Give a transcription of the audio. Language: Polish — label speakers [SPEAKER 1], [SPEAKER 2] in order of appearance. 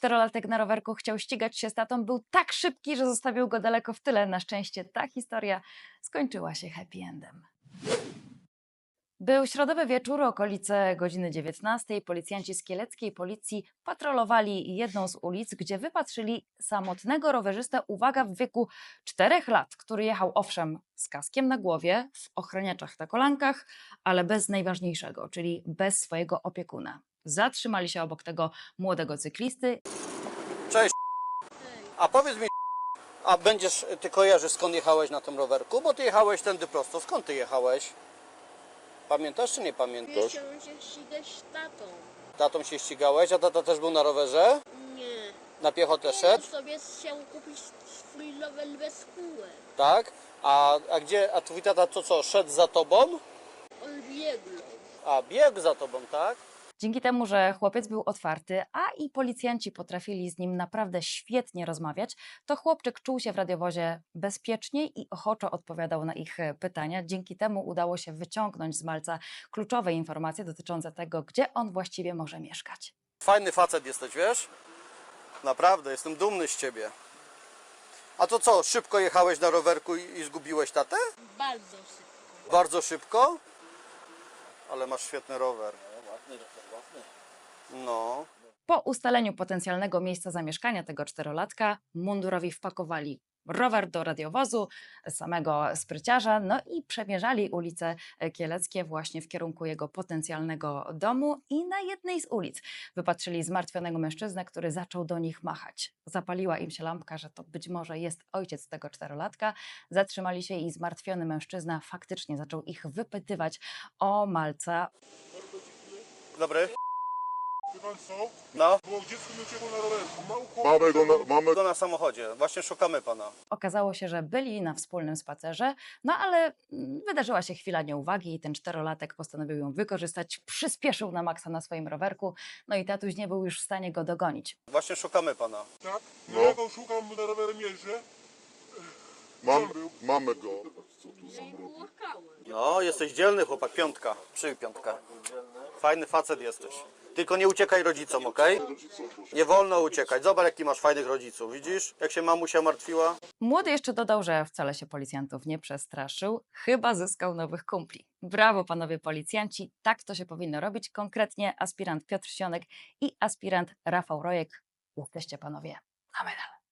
[SPEAKER 1] Czterolatek na rowerku chciał ścigać się z tatą, był tak szybki, że zostawił go daleko w tyle. Na szczęście ta historia skończyła się happy endem. Był środowy wieczór, okolice godziny 19. Policjanci z kieleckiej policji patrolowali jedną z ulic, gdzie wypatrzyli samotnego rowerzystę, uwaga, w wieku 4 lat, który jechał owszem z kaskiem na głowie, w ochraniaczach na kolankach, ale bez najważniejszego, czyli bez swojego opiekuna. Zatrzymali się obok tego młodego cyklisty.
[SPEAKER 2] Cześć. A powiedz mi, a ty kojarzysz, skąd jechałeś na tym rowerku? Bo ty jechałeś tędy prosto. Skąd ty jechałeś? Pamiętasz czy nie pamiętasz?
[SPEAKER 3] Chciałem się ścigać z tatą.
[SPEAKER 2] Tatą się ścigałeś, a tata też był na rowerze?
[SPEAKER 3] Nie.
[SPEAKER 2] Na piechotę
[SPEAKER 3] On
[SPEAKER 2] szedł?
[SPEAKER 3] sobie chciał kupić swój rower bez kółek.
[SPEAKER 2] Tak? A twój tata to co, szedł za tobą?
[SPEAKER 3] On biegł.
[SPEAKER 2] A, biegł za tobą, tak?
[SPEAKER 1] Dzięki temu, że chłopiec był otwarty, a i policjanci potrafili z nim naprawdę świetnie rozmawiać, to chłopczyk czuł się w radiowozie bezpiecznie i ochoczo odpowiadał na ich pytania. Dzięki temu udało się wyciągnąć z malca kluczowe informacje dotyczące tego, gdzie on właściwie może mieszkać.
[SPEAKER 2] Fajny facet jesteś, wiesz? Naprawdę, jestem dumny z ciebie. A to co, szybko jechałeś na rowerku i zgubiłeś tatę?
[SPEAKER 3] Bardzo szybko.
[SPEAKER 2] Bardzo szybko? Ale masz świetny rower. No.
[SPEAKER 1] Po ustaleniu potencjalnego miejsca zamieszkania tego czterolatka mundurowi wpakowali rower do radiowozu, samego spryciarza, no i przemierzali ulice Kieleckie właśnie w kierunku jego potencjalnego domu i na jednej z ulic wypatrzyli zmartwionego mężczyznę, który zaczął do nich machać. Zapaliła im się lampka, że to być może jest ojciec tego czterolatka. Zatrzymali się i zmartwiony mężczyzna faktycznie zaczął ich wypytywać o malca.
[SPEAKER 2] Dobry.
[SPEAKER 4] Wie pan co?
[SPEAKER 2] No.
[SPEAKER 4] Bo dziecko mi uciekło na rowerku. Mamy
[SPEAKER 2] Go na samochodzie. Właśnie szukamy pana.
[SPEAKER 1] Okazało się, że byli na wspólnym spacerze, no ale wydarzyła się chwila nieuwagi i ten czterolatek postanowił ją wykorzystać, przyspieszył na maksa na swoim rowerku, no i tatuś nie był już w stanie go dogonić.
[SPEAKER 2] Właśnie szukamy pana.
[SPEAKER 4] Tak?
[SPEAKER 5] No.
[SPEAKER 4] Ja go szukam, na rowerem jeżdżę.
[SPEAKER 5] Mamy go.
[SPEAKER 3] Ja ich płakałem.
[SPEAKER 2] No, jesteś dzielny chłopak. Piątka. Przyj piątkę. Fajny facet jesteś. Tylko nie uciekaj rodzicom, okej? Nie wolno uciekać. Zobacz, jaki masz fajnych rodziców. Widzisz, jak się mamusia martwiła?
[SPEAKER 1] Młody jeszcze dodał, że wcale się policjantów nie przestraszył, chyba zyskał nowych kumpli. Brawo panowie policjanci, tak to się powinno robić. Konkretnie aspirant Piotr Sionek i aspirant Rafał Rojek. Jesteście panowie na medal.